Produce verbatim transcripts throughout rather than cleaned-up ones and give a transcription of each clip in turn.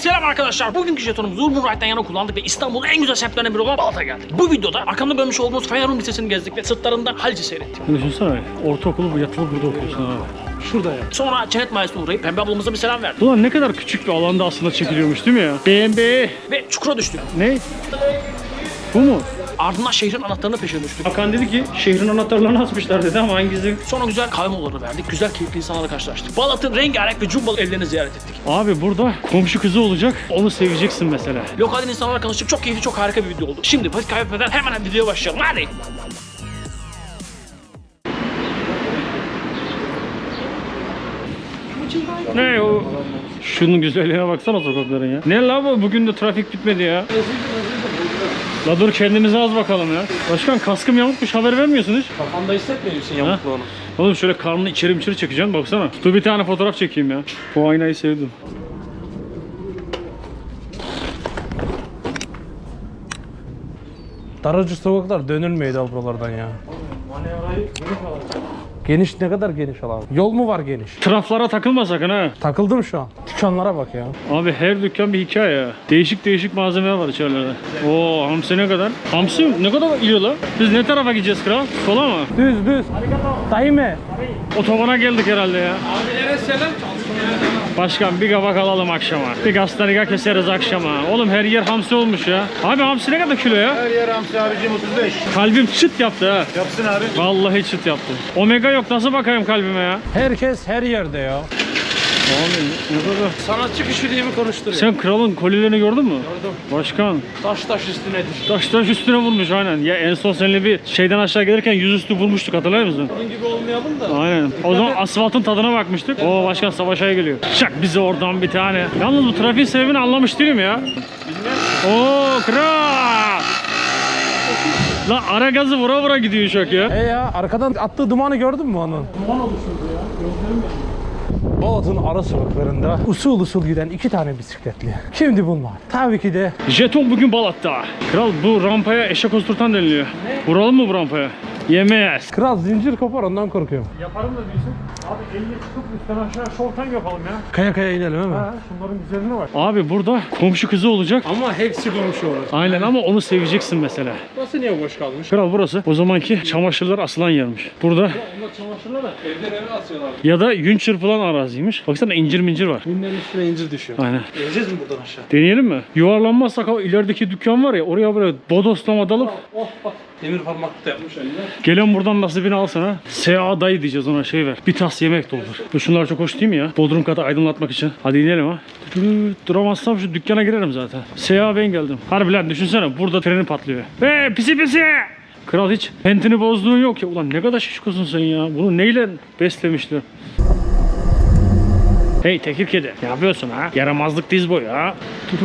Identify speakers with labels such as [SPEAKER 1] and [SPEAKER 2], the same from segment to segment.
[SPEAKER 1] Selam arkadaşlar. Bugünkü jetonumuzu Urban Ride'den yana kullandık ve İstanbul'un en güzel semtlerinden biri olan Balat'a geldik. Bu videoda arkamda görmüş olduğunuz Fenerum Lisesi'ni gezdik ve sırtlarından Haliç'i seyrettik.
[SPEAKER 2] Düşünsene, ortaokulu bu yatılı burada okuyorsun ha. Şurada ya.
[SPEAKER 1] Sonra Cennet Mahallesi'ne uğrayıp Pembe ablamıza bir selam verdik.
[SPEAKER 2] Ulan ne kadar küçük bir alanda aslında çekiliyormuş değil mi ya? Beğenbe.
[SPEAKER 1] Ve çukura düştük.
[SPEAKER 2] Ne? Bu mu?
[SPEAKER 1] Ardından şehrin anahtarını peşine düştük.
[SPEAKER 2] Hakan dedi ki şehrin anahtarlarını asmışlar dedi ama hangisi?
[SPEAKER 1] Sonra güzel kahve molaları verdik. Güzel keyifli insanlarla karşılaştık. Balat'ın rengarenk ve cumbalı evlerini ziyaret ettik.
[SPEAKER 2] Abi burada komşu kızı olacak. Onu seveceksin mesela.
[SPEAKER 1] Lokalden insanlarla tanıştık. Çok keyifli, çok harika bir video oldu. Şimdi vakit kaybetmeden hemen videoya başlayalım. Hadi.
[SPEAKER 2] Ne o? Şunun güzelliğine baksana sokakların ya. Ne la bu? Bugün de trafik bitmedi ya. La dur kendimize az bakalım ya. Başkan kaskım yamukmuş, haber vermiyorsun hiç.
[SPEAKER 1] Kafanda hissetmiyor musun yamukluğunu?
[SPEAKER 2] Oğlum şöyle karnını içeri içeri çekeceksin baksana. Dur bir tane fotoğraf çekeyim ya. Bu aynayı sevdim.
[SPEAKER 3] Daracık sokaklar dönülmüyordu buralardan ya. Geniş, ne kadar geniş alan? Yol mu var geniş?
[SPEAKER 2] Traflara takılma sakın ha.
[SPEAKER 3] Takıldım şu an. Dükkanlara bak ya.
[SPEAKER 2] Abi her dükkan bir hikaye ya. Değişik değişik malzemeler var içerilerde. Oo hamsi ne kadar? Hamsi ne kadar yiyor lan? Biz ne tarafa gideceğiz kral? Sola mı?
[SPEAKER 3] Düz düz. Dayı mı?
[SPEAKER 2] Otobana geldik herhalde ya.
[SPEAKER 1] Abilere selam.
[SPEAKER 2] Başkan bir kabak alalım akşama. Bir gastanega keseriz akşama. Oğlum her yer hamsi olmuş ya. Abi hamsi ne kadar kilo ya?
[SPEAKER 4] Her yer hamsi abicim otuz beş.
[SPEAKER 2] Kalbim çıt yaptı ha.
[SPEAKER 4] Yapsın abi.
[SPEAKER 2] Vallahi çıt yaptı. Omega yok, nasıl bakayım kalbime ya?
[SPEAKER 3] Herkes her yerde ya.
[SPEAKER 2] Abi ne kadar?
[SPEAKER 1] Sanatçı kişiliğimi konuşturuyor.
[SPEAKER 2] Sen kralın kolilerini gördün mü?
[SPEAKER 1] Gördüm.
[SPEAKER 2] Başkan.
[SPEAKER 1] Taş taş üstünedir.
[SPEAKER 2] Taş taş üstüne vurmuş aynen. Ya en son seninle bir şeyden aşağı gelirken yüzüstü vurmuştuk, hatırlar mısın?
[SPEAKER 1] Bunun gibi olmayalım da.
[SPEAKER 2] Aynen. O zaman asfaltın tadına bakmıştık. Oo başkan savaşa geliyor. Şak bize oradan bir tane. Yalnız bu trafiğin sebebini anlamış değilim ya. Oo kral. La ara gazı vura vura gidiyor uçak ya.
[SPEAKER 3] E ya arkadan attığı dumanı gördün mü onun?
[SPEAKER 2] Duman oluşturdu ya. Gözlerim
[SPEAKER 3] Balat'ın ara sokaklarında usul usul giden iki tane bisikletli. Kimdi bunlar? Tabii ki de
[SPEAKER 2] Jeton bugün Balat'ta. Kral bu rampaya eşek oturtan deniliyor. Vuralım mı bu rampaya? Yemeyiz.
[SPEAKER 3] kral zincir kopar, ondan korkuyorum.
[SPEAKER 2] Yaparım da diyorsun. Abi elini çıkıp üstten aşağı short time yapalım ya.
[SPEAKER 3] Kaya kaya inelim hemen.
[SPEAKER 2] Ha, şunların güzelliğine bak. Abi burada komşu kızı olacak.
[SPEAKER 3] Ama hepsi komşu olur.
[SPEAKER 2] Aynen ama onu seveceksin mesela.
[SPEAKER 3] Burası niye boş kalmış?
[SPEAKER 2] Kral burası o zamanki çamaşırlar asılan yermiş. Burada
[SPEAKER 3] Onlar çamaşırlar da evden eve asıyorlar.
[SPEAKER 2] ya da yün çırpılan araziymiş. Baksana incir mincir var.
[SPEAKER 3] Günlerin üstüne incir düşüyor.
[SPEAKER 2] Aynen.
[SPEAKER 3] Geleceğiz mi buradan aşağı?
[SPEAKER 2] Deneyelim mi? Yuvarlanmazsak o ilerideki dükkan var ya, oraya böyle bodoslama dalıp
[SPEAKER 3] Oh bak. Demir parmaklık da yapmış eline.
[SPEAKER 2] gelen buradan nasibini alsana. S A dayı diyeceğiz ona, şey ver. Bir tas yemek doldur. Bu şunlar çok hoş değil mi ya? Bodrum katı aydınlatmak için. Hadi inelim ha. Duramazsam şu dükkana girerim zaten. S A ben geldim. Harbi lan düşünsene, burada treni patlıyor. Eee pisi pisi. Kral hiç pentini bozduğun yok ya. Ulan ne kadar şişkosun sen ya. Bunu neyle beslemişler? Hey tekir kedi. Ne yapıyorsun ha? Yaramazlık diz boyu ha.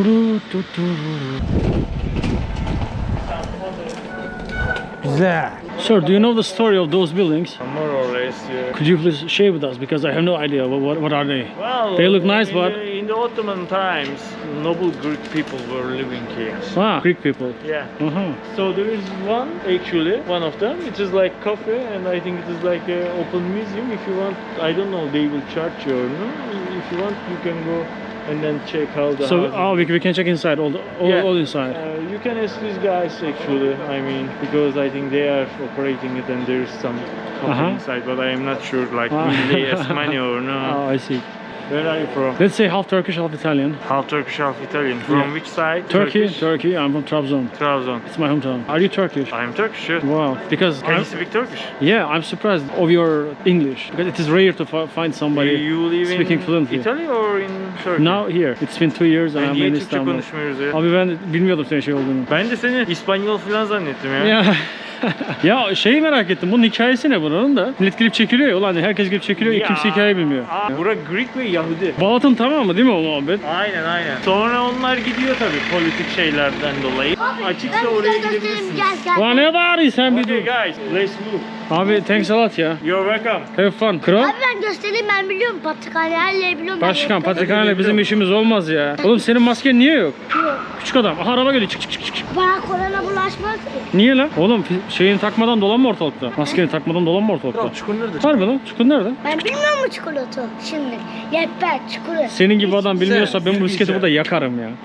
[SPEAKER 3] Güzel.
[SPEAKER 2] Sir, do you know the story of those buildings?
[SPEAKER 4] More or less, yeah.
[SPEAKER 2] Could you please share with us, because I have no idea what, what, what are they?
[SPEAKER 4] Well,
[SPEAKER 2] They look nice,
[SPEAKER 4] in
[SPEAKER 2] but-
[SPEAKER 4] the, in the Ottoman times, noble Greek people were living here.
[SPEAKER 2] Ah, Greek people.
[SPEAKER 4] Yeah.
[SPEAKER 2] Uh-huh.
[SPEAKER 4] So there is one, actually, one of them. It is like cafe, and I think it is like an open museum. If you want, I don't know, they will charge you or no. If you want, you can go and then check how the
[SPEAKER 2] So,
[SPEAKER 4] houses-
[SPEAKER 2] oh, we, we can check inside, all, the, all,
[SPEAKER 4] Yeah.
[SPEAKER 2] all inside.
[SPEAKER 4] Uh, you can ask these guys actually, I mean, because I think they are operating it and there's some coffee
[SPEAKER 2] Uh-huh.
[SPEAKER 4] inside, but I am not sure, like,
[SPEAKER 2] Ah.
[SPEAKER 4] will they ask money or no.
[SPEAKER 2] Oh, I see.
[SPEAKER 4] Where are you from?
[SPEAKER 2] Let's say half Turkish, half Italian.
[SPEAKER 4] Half Turkish, half Italian. From
[SPEAKER 2] Yeah.
[SPEAKER 4] which side?
[SPEAKER 2] Turkey,
[SPEAKER 4] Turkish?
[SPEAKER 2] Turkey. I'm from Trabzon.
[SPEAKER 4] Trabzon.
[SPEAKER 2] It's my hometown. Are you Turkish?
[SPEAKER 4] I am Turkish, yes.
[SPEAKER 2] Wow, because
[SPEAKER 4] Can
[SPEAKER 2] I'm,
[SPEAKER 4] you speak Turkish?
[SPEAKER 2] yeah, I'm surprised of your English, because it is rare to fi- find somebody
[SPEAKER 4] you live
[SPEAKER 2] speaking
[SPEAKER 4] in
[SPEAKER 2] fluently.
[SPEAKER 4] Italy or in Turkey?
[SPEAKER 2] Now here, it's been two years and
[SPEAKER 4] Ben
[SPEAKER 2] I'm
[SPEAKER 4] niye
[SPEAKER 2] in
[SPEAKER 4] Türkçe
[SPEAKER 2] Istanbul.
[SPEAKER 4] konuşmuyoruz ya?
[SPEAKER 2] Abi ben bilmiyordum senin şey olduğunu.
[SPEAKER 4] Ben de seni İspanyol falan zannettim ya.
[SPEAKER 2] Ya ya şeyi merak ettim. Bunun hikayesi ne bunun da? Millet gelip çekiliyor ya. Ulan herkes gelip çekiliyor ya. Kimse hikaye bilmiyor.
[SPEAKER 4] Aa, bura Greek ve Yahudi.
[SPEAKER 2] Balat'ın tamamı değil mi o muhabbet?
[SPEAKER 4] Aynen aynen. Sonra onlar gidiyor tabii politik şeylerden dolayı. Açıksa oraya gidebilirsiniz.
[SPEAKER 5] Gel gel.
[SPEAKER 2] Ulan ne bağırıyorsun sen bir
[SPEAKER 4] Okay
[SPEAKER 2] dur.
[SPEAKER 4] guys, let's move.
[SPEAKER 2] Abi thanks a lot ya.
[SPEAKER 4] You're welcome.
[SPEAKER 2] Have fun. Kral.
[SPEAKER 5] Abi ben göstereyim, ben biliyorum patrikhane her yeri biliyorum. ben
[SPEAKER 2] Başkan
[SPEAKER 5] yaptım.
[SPEAKER 2] patrikhaneyle bizim işimiz olmaz ya. Oğlum senin masken niye yok? Küçük adam. Aha araba geliyor. Çık çık çık çık.
[SPEAKER 5] Bana korona bulaşmaz ki.
[SPEAKER 2] Niye lan? Oğlum fi- şeyini takmadan dolanma ortalıkta. Maskeni takmadan dolanma ortalıkta.
[SPEAKER 3] Çukur nerede?
[SPEAKER 2] Harbi lan. Çukur nerede?
[SPEAKER 5] Ben bilmiyor mu çikolata? Şimdi yetber çikolata.
[SPEAKER 2] Senin gibi adam bilmiyorsa ben bu bisikleti burada yakarım ya.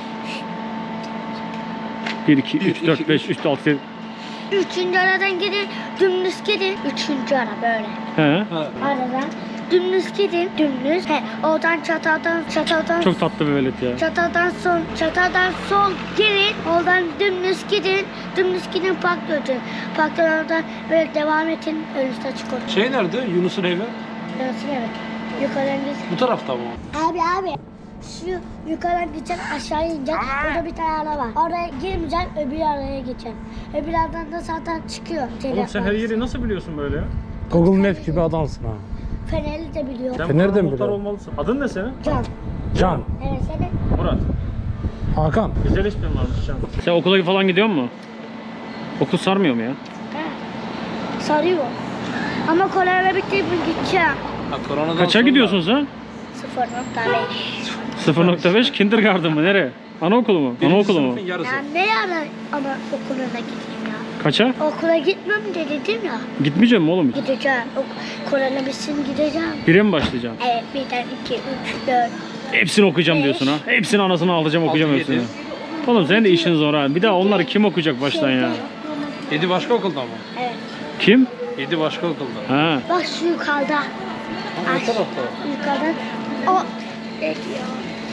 [SPEAKER 2] bir, iki, üç, dört, beş, üç, altı, yedi.
[SPEAKER 5] Üçüncü aradan gidin, dümdüz gidin. Üçüncü ara böyle.
[SPEAKER 2] He.
[SPEAKER 5] Aradan dümdüz gidin, dümdüz. He, oradan çataldan, çataldan,
[SPEAKER 2] Çok tatlı bir velet ya.
[SPEAKER 5] çataldan sol, çataldan sol girin. Oradan dümdüz gidin, dümdüz gidin park götür. Parktan oradan böyle devam edin, önünüzde açık olsun.
[SPEAKER 3] Şey nerede? Yunus'un evi.
[SPEAKER 5] Nasıl evet? Yukarıdan git.
[SPEAKER 3] Bu tarafta mı?
[SPEAKER 5] Abi abi. Şu yukarıdan gideceksin, aşağı ineceksin. Burada bir tane ara var. Oraya girmeyeceksin, öbür araya geçeceksin. Öbür aradan da zaten çıkıyor.
[SPEAKER 2] Oğlum sen her yeri nasıl biliyorsun böyle ya?
[SPEAKER 3] Google Maps gibi adamsın ha.
[SPEAKER 5] Fenerli de biliyor.
[SPEAKER 2] Sen
[SPEAKER 3] Sen nereden
[SPEAKER 2] buranın muhtar
[SPEAKER 3] biliyorsun?
[SPEAKER 2] olmalısın. Adın ne senin?
[SPEAKER 5] Can.
[SPEAKER 3] Can.
[SPEAKER 5] Evet seni.
[SPEAKER 2] Murat.
[SPEAKER 3] Hakan.
[SPEAKER 2] Güzel ismin varmış Can. Sen okula falan gidiyor musun? Okul sarmıyor mu ya?
[SPEAKER 5] He. Sarıyor. Ama korona bitti mi gideceğim.
[SPEAKER 3] Ha, koronadan
[SPEAKER 2] Kaça
[SPEAKER 3] sonra-
[SPEAKER 2] gidiyorsun sen?
[SPEAKER 5] sıfır nokta beş.
[SPEAKER 2] sıfır nokta beş kindergarten mı? Nereye? Anaokulu mu?
[SPEAKER 3] Birinci
[SPEAKER 2] Anaokulu mu?
[SPEAKER 3] sınıfın yarısı.
[SPEAKER 5] Ya ne ara ama okuluna gideyim ya.
[SPEAKER 2] Kaça?
[SPEAKER 5] Okula gitmem de dedim ya.
[SPEAKER 2] Gitmeyeceğim mi oğlum?
[SPEAKER 5] Gideceğim. Ok korona bitsin gideceğim.
[SPEAKER 2] Bire mi başlayacağım?
[SPEAKER 5] Evet birden iki, üç, dört.
[SPEAKER 2] Hepsini okuyacağım
[SPEAKER 5] Beş.
[SPEAKER 2] diyorsun ha. Hepsini anasını alacağım okuyacağım
[SPEAKER 3] Altı,
[SPEAKER 2] hepsini.
[SPEAKER 3] yedi.
[SPEAKER 2] Oğlum senin de işin zor ha. Bir daha onları kim okuyacak baştan ya?
[SPEAKER 3] Yedi başka okulda mı?
[SPEAKER 5] Evet.
[SPEAKER 2] Kim?
[SPEAKER 3] Yedi başka okulda.
[SPEAKER 2] Ha.
[SPEAKER 5] Bak şu yukarıda.
[SPEAKER 3] Ama
[SPEAKER 5] Ay,
[SPEAKER 3] o tarafta.
[SPEAKER 5] yukarıdan. O. Evet ya.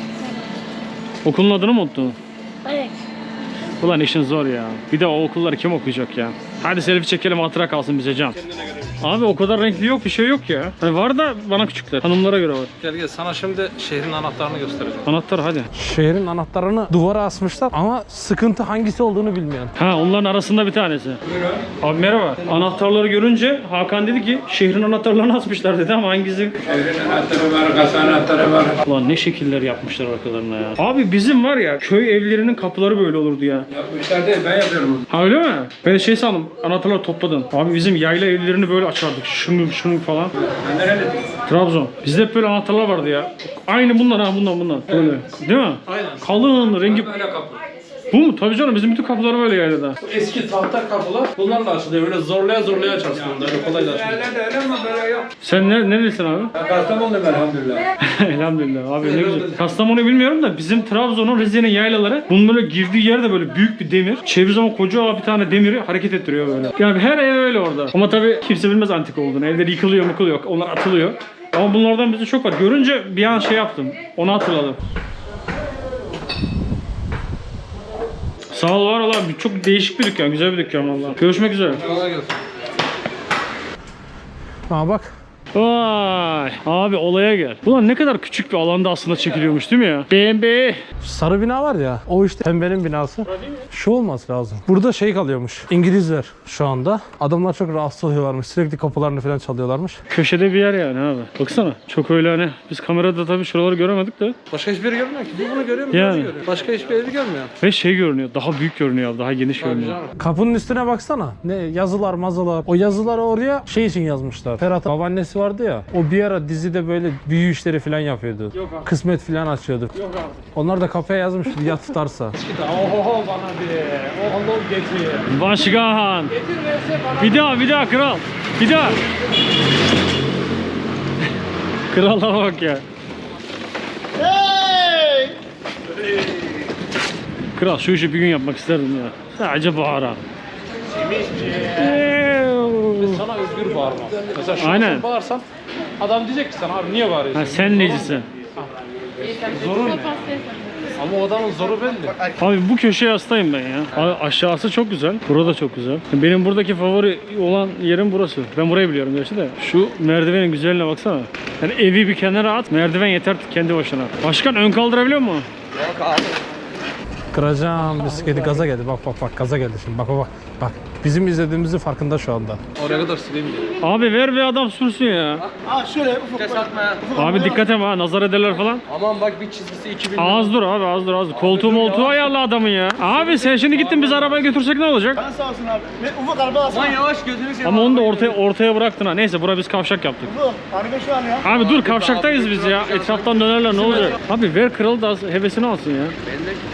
[SPEAKER 2] Okulun adını mı unuttun?
[SPEAKER 5] Evet.
[SPEAKER 2] Ulan işin zor ya. Bir de o okulları kim okuyacak ya? Hadi selfie çekelim hatıra kalsın bize Can. Abi o kadar renkli yok bir şey yok ya. Hani var da bana küçükler. Hanımlara göre var.
[SPEAKER 3] Gel gel sana şimdi şehrin anahtarını göstereceğim.
[SPEAKER 2] Anahtar hadi.
[SPEAKER 3] Şehrin anahtarını duvara asmışlar ama sıkıntı hangisi olduğunu bilmiyorum.
[SPEAKER 2] Ha onların arasında bir tanesi. Abi merhaba. Anahtarları görünce Hakan dedi ki şehrin anahtarlarını asmışlar dedi ama hangisi?
[SPEAKER 6] Şehrin anahtarı var, kasa anahtarı var.
[SPEAKER 2] Ulan ne şekiller yapmışlar arkalarına ya. Abi bizim var ya köy evlerinin kapıları böyle olurdu ya.
[SPEAKER 6] Yapmışlar değil, ben yapıyorum.
[SPEAKER 2] Ha öyle mi? Ben şey sandım anahtarları topladın. Abi bizim yayla evlerini böyle açardık. Şunu şunu falan.
[SPEAKER 6] Ben nereli?
[SPEAKER 2] Trabzon. Bizde hep böyle anahtarlar vardı ya. Aynı bunlar ha bundan bundan. Böyle. Değil mi?
[SPEAKER 3] Aynen.
[SPEAKER 2] Kalın rengi.
[SPEAKER 6] Böyle kapı.
[SPEAKER 2] Bu mu? Tabii canım bizim bütün kapılar böyle yaylada.
[SPEAKER 3] Eski tahta kapılar bunlarla açılıyor. Böyle zorlaya zorlaya açarsın onları. Öyle kolay açılıyor.
[SPEAKER 6] Yerlerde öyle ama böyle yok.
[SPEAKER 2] Sen ne, nerelisin abi?
[SPEAKER 6] Ben Kastamonu'luyum elhamdülillah.
[SPEAKER 2] Elhamdülillah abi ne güzel. Kastamonu bilmiyorum da bizim Trabzon'un Rize'nin yaylaları bunun böyle girdiği yerde böyle büyük bir demir. Çevir zaman koca bir tane demiri hareket ettiriyor böyle. Yani her ev öyle orada. Ama tabii kimse bilmez antik olduğunu. Evler yıkılıyor mıkılıyor. Onlar atılıyor. Ama bunlardan bizde çok var. Görünce bir an şey yaptım. Onu hatırladım. Sağ ol var olan çok değişik bir dükkan. Güzel bir dükkan valla. Görüşmek üzere.
[SPEAKER 3] Kolay gelsin. Ha bak.
[SPEAKER 2] Vay abi olaya gel. Ulan ne kadar küçük bir alanda aslında çekiliyormuş değil mi ya? B M B.
[SPEAKER 3] Sarı bina var ya. O işte pembenin binası. Şu olması lazım. Burada şey kalıyormuş. İngilizler şu anda. Adamlar çok rahatsız oluyorlarmış. Sürekli kapılarını falan çalıyorlarmış.
[SPEAKER 2] Köşede bir yer yani abi. Baksana. Çok öyle hani. Biz kamerada tabii şuraları göremedik de.
[SPEAKER 3] Başka hiçbir yeri görmüyor ki. Bu bunu görüyor mu?
[SPEAKER 2] Yani.
[SPEAKER 3] Yani. Görüyor. Başka hiçbir evi görmüyor.
[SPEAKER 2] Ve şey görünüyor. Daha büyük görünüyor abi. Daha geniş görünüyor.
[SPEAKER 3] Kapının üstüne baksana. Ne yazılar mazılar. O yazıları oraya şey için yazmışlar. Ferhat'ın babaannesi vardı ya. O bir ara dizide böyle büyü işleri falan yapıyordu.
[SPEAKER 2] Yok abi.
[SPEAKER 3] Kısmet falan açıyordu.
[SPEAKER 2] Yok abi.
[SPEAKER 3] Onlar da kafaya yazmış ya tutarsa. Oho bana bir. Oho getir.
[SPEAKER 2] Başkan. Bir daha bir daha kral. Bir daha. Krala bak ya. Kral şu işi bir gün yapmak isterdim ya. Sadece bağıra.
[SPEAKER 3] Sana özgür bağırma. Mesela şu
[SPEAKER 2] Aynen.
[SPEAKER 3] an bağırsan adam diyecek ki sana abi niye bağırıyorsun?
[SPEAKER 2] Ha, sen necisin?
[SPEAKER 3] Zorun ne? Ama o adamın zoru belli.
[SPEAKER 2] Abi bu köşeye hastayım ben ya. Abi aşağısı çok güzel. Burada çok güzel. Benim buradaki favori olan yerim burası. Ben burayı biliyorum gerçi de. Şu merdivenin güzelliğine baksana. Yani evi bir kenara at. Merdiven yeter kendi başına. Başkan ön kaldırabiliyor mu?
[SPEAKER 3] Kıracağım bisikleti gaza geldi. Bak bak bak gaza geldi şimdi. Bak bak bak. Bak bizim izlediğimizin farkında şu anda. Oraya kadar sileyim diye.
[SPEAKER 2] Abi ver bir adam sürsün ya.
[SPEAKER 7] Ha şöyle ufuk.
[SPEAKER 3] Kes atma ya.
[SPEAKER 2] Abi dikkat et ha nazar ederler falan.
[SPEAKER 3] Aman bak bir çizgisi iki bin.
[SPEAKER 2] Az dur abi az dur az dur. Koltuğu moltuğu ayarla adamın ya. Abi sen şimdi gittin biz arabaya götürsek ne olacak?
[SPEAKER 7] Ben sağ olsun abi. Ve ufuk araba alsana.
[SPEAKER 3] Aman yavaş gözünü seveyim.
[SPEAKER 2] Ama onu da ortaya ortaya bıraktın ha. Neyse bura biz kavşak yaptık.
[SPEAKER 7] Ufuk. Araba şu an ya.
[SPEAKER 2] Abi dur kavşaktayız biz ya. Etraftan dönerler ne olacak? Abi ver kralı da hevesini alsın ya.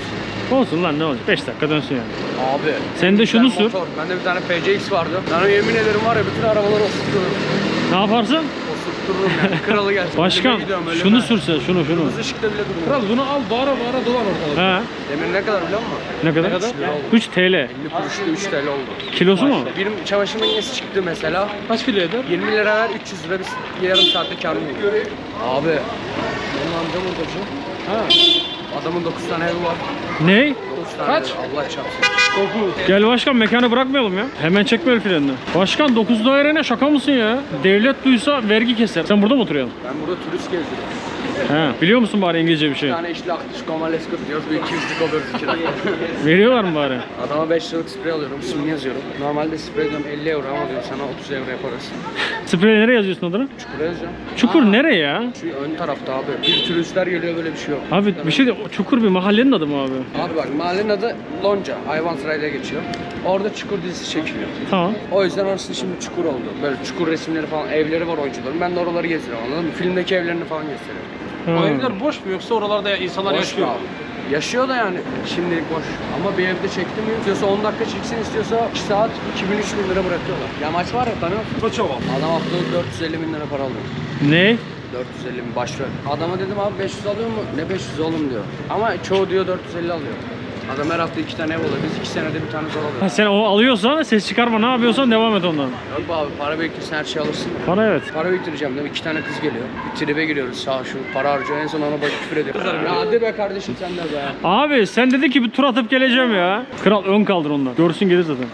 [SPEAKER 2] Olsun lan ne olacak? beş dakika dönsün yani.
[SPEAKER 8] Abi.
[SPEAKER 2] Sen de şunu
[SPEAKER 8] Ben
[SPEAKER 2] sür.
[SPEAKER 8] motor. Bende bir tane P C X vardı. Ben yemin ederim var ya bütün arabaları osurturum.
[SPEAKER 2] Ne yaparsın?
[SPEAKER 8] Osurturum yani. Kralı gelsin.
[SPEAKER 2] Başkan
[SPEAKER 8] Ölüme gidiyorum, ölüme.
[SPEAKER 2] şunu sürse şunu şunu.
[SPEAKER 8] Kırmızı ışıkta bile durmuyor.
[SPEAKER 3] Kral bunu al bağıra bağıra dolan ortalık.
[SPEAKER 2] He.
[SPEAKER 8] Demir ne kadar biliyor musun?
[SPEAKER 2] Ne kadar?
[SPEAKER 8] Ne kadar?
[SPEAKER 2] üç T L.
[SPEAKER 8] elli kuruşta üç T L oldu.
[SPEAKER 2] Kilosu mu?
[SPEAKER 8] Bir çamaşır makinesi çıktı mesela.
[SPEAKER 3] Kaç kilo eder?
[SPEAKER 8] yirmi lira ver üç yüz lira bir yarım saatte kârım olur. Abi. Benim amcam hurdacı. Ha. Adamın dokuz tane evi var.
[SPEAKER 2] Ne?
[SPEAKER 8] dokuz tane
[SPEAKER 3] Kaç?
[SPEAKER 8] evi. Allah çarpsın.
[SPEAKER 2] Gel başkan mekanı bırakmayalım ya. Hemen çekme el frenini. Başkan dokuz daire ne şaka mısın ya? Devlet duysa vergi keser. Sen burada mı oturuyorsun?
[SPEAKER 8] Ben burada turist gezdiriyorum.
[SPEAKER 2] He. Biliyor musun bari İngilizce bir şey?
[SPEAKER 8] Bir tane işli aktif komalesko diyoruz. Bir iki yüzlük alıyoruz iki dakika.
[SPEAKER 2] Veriyorlar mı bari?
[SPEAKER 8] Adama beş liralık sprey alıyorum. İsmini yazıyorum. Normalde sprey diyorum elli euro ama diyor sana otuz euro yaparız.
[SPEAKER 2] Sprey nereye yazıyorsun adını?
[SPEAKER 8] Çukura yazacağım.
[SPEAKER 2] Çukur nereye ya?
[SPEAKER 8] Şu ön tarafta abi. Bir turistler geliyor böyle bir şey yok.
[SPEAKER 2] Abi bir şey de Çukur bir mahallenin adı mı abi?
[SPEAKER 8] Abi bak mahallenin adı Lonca. Ayvansaray'da geçiyor. Orada Çukur dizisi çekiliyor.
[SPEAKER 2] Tamam.
[SPEAKER 8] O yüzden orası şimdi Çukur oldu. Böyle Çukur resimleri falan, evleri var oyuncuların. Ben de oraları gezdiriyorum anladın mı? Filmdeki evlerini falan gösteriyorum.
[SPEAKER 2] Ha.
[SPEAKER 3] O evler boş mu yoksa oralarda insanlar
[SPEAKER 8] Boş
[SPEAKER 3] yaşıyor?
[SPEAKER 8] mu abi? Yaşıyor da yani. Şimdilik boş. Ama bir evde çekti mi? İstiyorsa on dakika çeksin, istiyorsa iki saat iki bin üç bin lira bırakıyorlar. Yamaç var ya tanıyor musun?
[SPEAKER 3] Koçova.
[SPEAKER 8] Adam haftalık dört yüz elli bin lira para alıyor.
[SPEAKER 2] Ne?
[SPEAKER 8] dört yüz elli bin başrol. Adama dedim abi beş yüz alıyor mu? Ne beş yüz oğlum diyor. Ama çoğu diyor dört yüz elli alıyor. Adam her hafta iki tane ev oluyor. Biz iki senede bir tane zor
[SPEAKER 2] Ha,
[SPEAKER 8] alıyoruz.
[SPEAKER 2] sen o alıyorsan ses çıkarma ne yapıyorsan devam et ondan.
[SPEAKER 8] Yok be abi para biriktirsen her şeyi alırsın.
[SPEAKER 2] Para evet.
[SPEAKER 8] Para biriktireceğim dedim. İki tane kız geliyor. Bir tribe giriyoruz sağ şu. Para harcıyor. En son ona bak küfür ediyor. Ya hadi be kardeşim sen de be.
[SPEAKER 2] Abi sen dedi ki bir tur atıp geleceğim ya. Kral ön kaldır ondan. Görsün gelir zaten.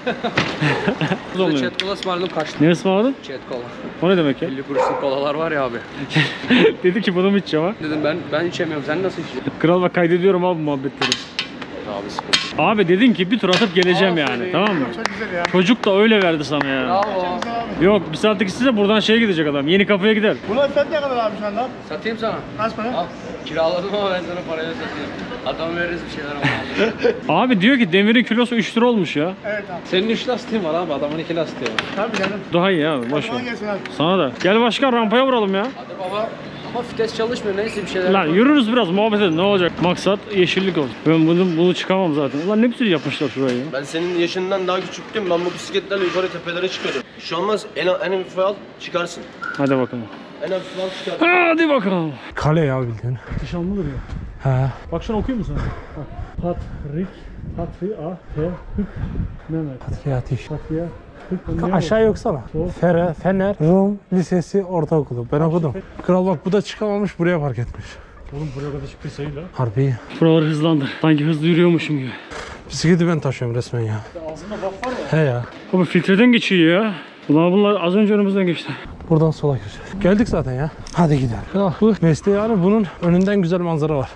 [SPEAKER 8] Bize
[SPEAKER 2] Oluyor.
[SPEAKER 8] chat kola ısmarladım kaçtı.
[SPEAKER 2] Ne ısmarladın?
[SPEAKER 8] Chat kola.
[SPEAKER 2] O ne demek ya?
[SPEAKER 8] elli kuruşluk kolalar var ya abi.
[SPEAKER 2] Dedi ki bunu mu içeceğim ha?
[SPEAKER 8] Dedim ben ben içemiyorum. Sen nasıl içiyorsun?
[SPEAKER 2] Kral bak kaydediyorum abi muhabbetleri.
[SPEAKER 8] Abi sıkıntı.
[SPEAKER 2] Abi dedin ki bir tur atıp geleceğim yani tamam mı?
[SPEAKER 7] Çok güzel ya.
[SPEAKER 2] Çocuk da öyle verdi sana ya.
[SPEAKER 8] Bravo.
[SPEAKER 2] Yok bir saatlik size buradan şeye gidecek adam. Yeni kapıya gider.
[SPEAKER 7] Buna fiyat ne kadar abi şu anda?
[SPEAKER 8] Satayım sana.
[SPEAKER 7] Kaç para?
[SPEAKER 8] Al. Kiraladım ama ben sana parayla satayım. Adam veririz bir şeyler ama.
[SPEAKER 2] Abi diyor ki demirin kilosu üç lira olmuş ya.
[SPEAKER 7] Evet abi.
[SPEAKER 3] Senin üç lastiğin var abi, adamın iki lastiği var.
[SPEAKER 7] Tabii canım.
[SPEAKER 2] Daha iyi abi boş ver.
[SPEAKER 7] Kolay gelsin abi.
[SPEAKER 2] Sana da. Gel başkan rampaya vuralım ya.
[SPEAKER 8] Hadi baba. Ama vites çalışmıyor. Neyse bir şeyler
[SPEAKER 2] Lan
[SPEAKER 8] yapalım.
[SPEAKER 2] yürürüz biraz muhabbet edin ne olacak? Maksat yeşillik olsun. Ben bunu, bunu çıkamam zaten. Ulan ne güzel yapmışlar şurayı ya.
[SPEAKER 9] Ben senin yaşından daha küçüktüm. Ben bu bisikletlerle yukarı tepelere çıkıyordum. Şu olmaz. En, en hafife al çıkarsın.
[SPEAKER 2] Hadi bakalım.
[SPEAKER 9] En hafife al çıkarsın.
[SPEAKER 2] Hadi bakalım.
[SPEAKER 3] Kale ya bildiğin.
[SPEAKER 2] Dışan mıdır ya?
[SPEAKER 3] He.
[SPEAKER 2] Bak şunu okuyayım mı sana? Bak. Patrik, Patri, A, T, Hük, Mehmet.
[SPEAKER 3] Patriyatiş.
[SPEAKER 2] Patriya, Hük, Mehmet.
[SPEAKER 3] Aşağı yoksana. Fere, Fener, Rum Lisesi Ortaokulu. Ben okudum. Kral bak bu da çıkamamış buraya park etmiş.
[SPEAKER 2] Oğlum buraya kadar çıktı sayıyla.
[SPEAKER 3] Harbi.
[SPEAKER 2] Buraları hızlandır. Sanki hızlı yürüyormuşum gibi.
[SPEAKER 3] Bisikleti ben taşıyorum resmen ya.
[SPEAKER 2] Ağzında bak var ya.
[SPEAKER 3] He ya.
[SPEAKER 2] Abi filtreden geçiyor ya. Ulan bunlar az önce önümüzden geçti.
[SPEAKER 3] Buradan sola gireceğiz. Geldik zaten ya. Hadi gidelim. Ya, bu mesleği yani bunun önünden güzel manzara var.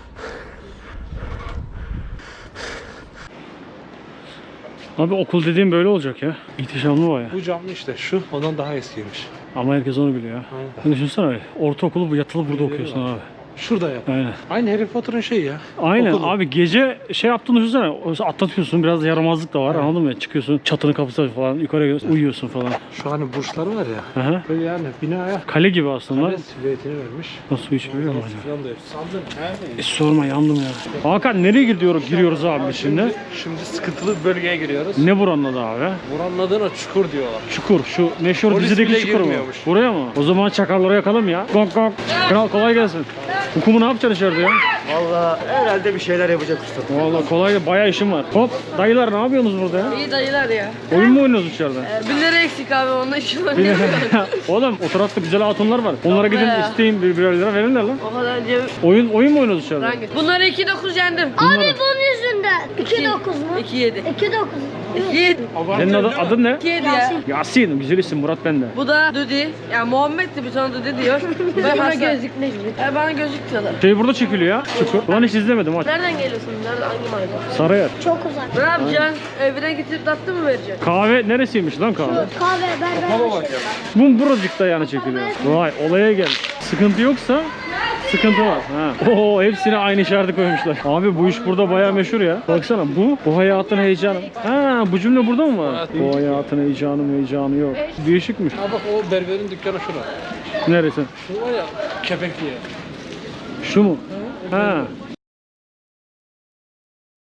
[SPEAKER 2] Abi okul dediğim böyle olacak ya. İhtişamlı baya.
[SPEAKER 3] Bu camlı işte şu. Ondan daha eskiymiş.
[SPEAKER 2] Ama herkes onu biliyor ya. Aynen. Düşünsene abi. Ortaokulu bu yatılı burada okuyorsun abi.
[SPEAKER 3] Şurada yap.
[SPEAKER 2] Aynen.
[SPEAKER 3] Aynı Harry Potter'ın şeyi ya.
[SPEAKER 2] Aynen
[SPEAKER 3] Okulu.
[SPEAKER 2] abi gece şey yaptığını düşünsene atlatıyorsun biraz da yaramazlık da var anladın mı? Çıkıyorsun çatının kapısı falan yukarı gidiyorsun, uyuyorsun falan.
[SPEAKER 3] Şu hani burçları var ya.
[SPEAKER 2] Aha.
[SPEAKER 3] Böyle yani binaya
[SPEAKER 2] Kale gibi aslında.
[SPEAKER 3] kale silüetini vermiş.
[SPEAKER 2] Nasıl su içmiyor mu acaba?
[SPEAKER 3] Falan da yok. Sandın.
[SPEAKER 2] E, sorma yandım ya. Hakan nereye gidiyoruz giriyoruz abi biz şimdi?
[SPEAKER 3] Şimdi sıkıntılı bir bölgeye giriyoruz.
[SPEAKER 2] Ne buranın adı abi?
[SPEAKER 3] Buranın adına çukur diyorlar.
[SPEAKER 2] Çukur. Şu meşhur
[SPEAKER 3] Polis
[SPEAKER 2] dizideki
[SPEAKER 3] bile
[SPEAKER 2] çukur mu?
[SPEAKER 3] girmiyormuş.
[SPEAKER 2] Buraya mı? O zaman çakarları yakalım ya. Gok gok. Kral kolay gelsin. Hukumu ne yapacaksın içeride ya?
[SPEAKER 7] Valla herhalde bir şeyler yapacak usta.
[SPEAKER 2] Vallahi kolay gel. Bayağı işim var. Hop dayılar ne yapıyorsunuz burada ya?
[SPEAKER 10] İyi dayılar ya.
[SPEAKER 2] Oyun mu oynuyoruz içeride?
[SPEAKER 10] Ee, bir lira eksik abi onun için
[SPEAKER 2] Bir-
[SPEAKER 10] oynayamıyorum.
[SPEAKER 2] Oğlum o tarafta güzel hatunlar var. Onlara gidin
[SPEAKER 10] ya.
[SPEAKER 2] isteyin bir birer lira verirler lan.
[SPEAKER 10] O kadar cebim.
[SPEAKER 2] Oyun oyun mu oynuyoruz içeride?
[SPEAKER 10] Hangi? Bunları iki dokuz yendim.
[SPEAKER 5] Abi bunun yüzünden. iki dokuz mu?
[SPEAKER 10] iki yedi.
[SPEAKER 5] iki dokuz.
[SPEAKER 10] iki yedi.
[SPEAKER 2] Senin adın, adın ne?
[SPEAKER 10] iki yedi ya.
[SPEAKER 2] Yasin. Güzel isim Murat bende.
[SPEAKER 10] Bu da Dudi. Ya Muhammed de bir tane Dudi diyor. Ben bana gözlük ne gibi? E, bana gözlük diyorlar.
[SPEAKER 2] Şey burada çekiliyor ya. Çukur. Ulan hiç izlemedim aç.
[SPEAKER 10] Nereden geliyorsun? Nereden hangi mahalle?
[SPEAKER 2] Sarıyer.
[SPEAKER 5] Çok uzak.
[SPEAKER 10] Ne yapacaksın? Evine getirip tatlı mı vereceksin?
[SPEAKER 2] Kahve neresiymiş lan kahve?
[SPEAKER 5] Kahve berber.
[SPEAKER 2] Bu buracıkta yani çekiliyor. Vay olaya gel. Sıkıntı yoksa sıkıntı var. Ha. Oo hepsine aynı işareti koymuşlar. Abi bu iş burada bayağı meşhur ya. Baksana bu bu hayatın heyecanı. Ha bu cümle burada mı var? Bu hayatın heyecanı heyecanı yok. Değişikmiş.
[SPEAKER 3] Ha bak o berberin dükkanı şurada.
[SPEAKER 2] Neresi?
[SPEAKER 3] Şu var ya kepekli ya.
[SPEAKER 2] Şu mu? Ha.